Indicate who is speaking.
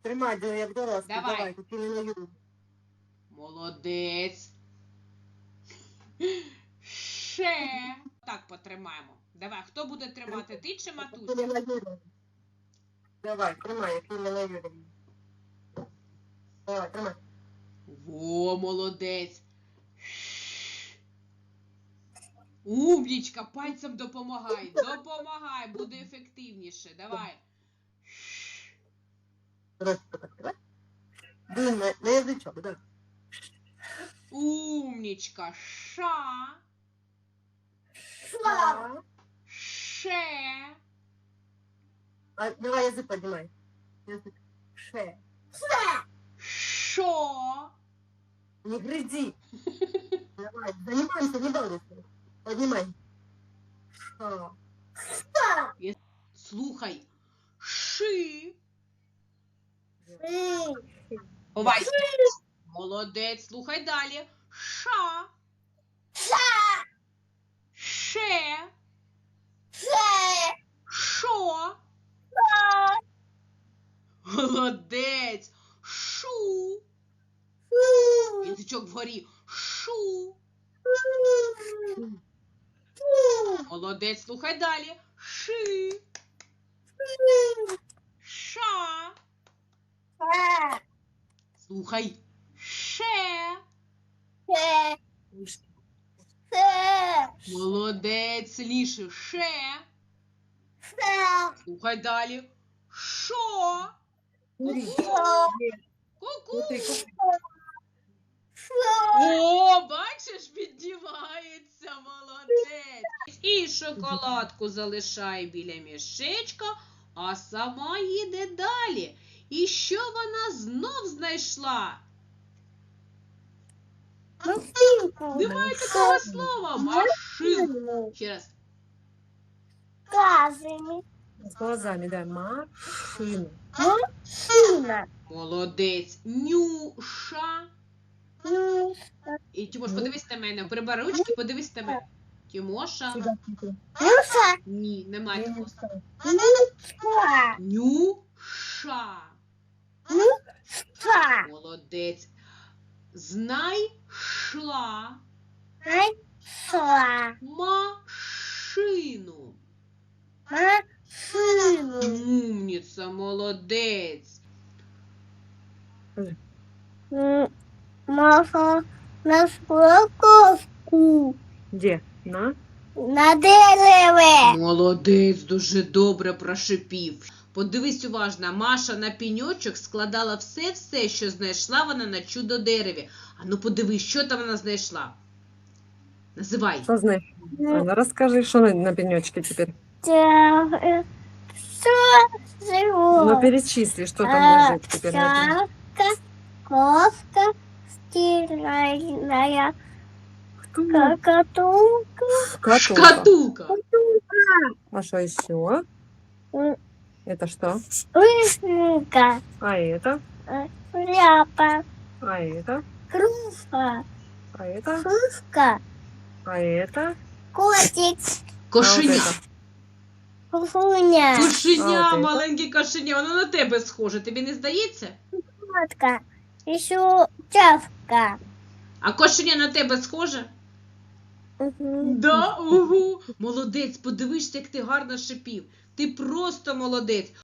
Speaker 1: Тримай, як дорослий.
Speaker 2: Давай.
Speaker 1: Давай, тут не наю.
Speaker 2: Молодець. Ще. Так потримаємо. Давай, хто буде тримати, ти чи матуся?
Speaker 1: Юлія Юріївна. Давай, тримай, як Юлія Юріївна. Давай, тримай.
Speaker 2: Во, молодець. Умнічка, пальцем допомагай. Допомагай, буде ефективніше. Давай.
Speaker 1: Просто так, давай. Дуй на язичок, так.
Speaker 2: Умнічка. Ша.
Speaker 1: Ша.
Speaker 2: Ше.
Speaker 1: А, давай язик поднимай. Язык. Ше.
Speaker 2: Шо.
Speaker 1: Не грызи. Давай, занимаемся, не балуйся. Поднимай. Ша.
Speaker 2: Слухай. Ши. Ховай. Молодець, слухай далі. Ша. Ше. Шо. Молодець. Шу. Язичок вгорі. Шу. Молодець, слухай далі. Ши. Ша. Слухай. Ше. Молодець, ліше. Ше. Слухай далі. Шо. Ку-ку. О, бачиш, піднімається, молодець. І шоколадку залишає біля мішечка, а сама їде далі. І що вона знов знайшла? Немає такого слова. Машинку. Ще раз.
Speaker 1: С глазами, да. Машина.
Speaker 2: Молодець. Нюша. І Тимош, подивись на мене. Прибери ручки, подивись на мене. Тимоша. Ні, немає такого слова. Нюша. Молодець. Знайшла машину. Умніця, молодець.
Speaker 3: Маша нашла кошку
Speaker 1: Где? На?
Speaker 3: на дереві.
Speaker 2: Молодець, дуже добре прошипів. Подивись уважно, Маша на пеньочок складала все, що знайшла вона на чудо-дереві. А ну подивись, що там вона знайшла. Називай.
Speaker 1: Что знаешь? Анна, расскажи, что на пенечке теперь.
Speaker 3: Все живо.
Speaker 1: Ну, перечисли, что там лежит теперь на
Speaker 3: Овчарка, кошка, стиральная,
Speaker 1: пенечке.
Speaker 3: котомка,
Speaker 1: Шкатулка.
Speaker 2: Шкатулка.
Speaker 1: А что еще? Это что?
Speaker 3: вишенка,
Speaker 1: А это?
Speaker 3: шляпа,
Speaker 1: А это?
Speaker 3: кружка,
Speaker 1: А это?
Speaker 3: кружка,
Speaker 1: А это?
Speaker 3: котик,
Speaker 2: Кошеня.
Speaker 3: кухуня,
Speaker 2: Кошеня,
Speaker 1: А, от
Speaker 2: маленьке кошеня. Воно на тебе схоже. Тобі не здається?
Speaker 3: котка, еще чавка.
Speaker 2: А кошеня на тебе схоже? Да, угу. Молодець, подивишся, як ти гарно шипів. Ти просто молодець.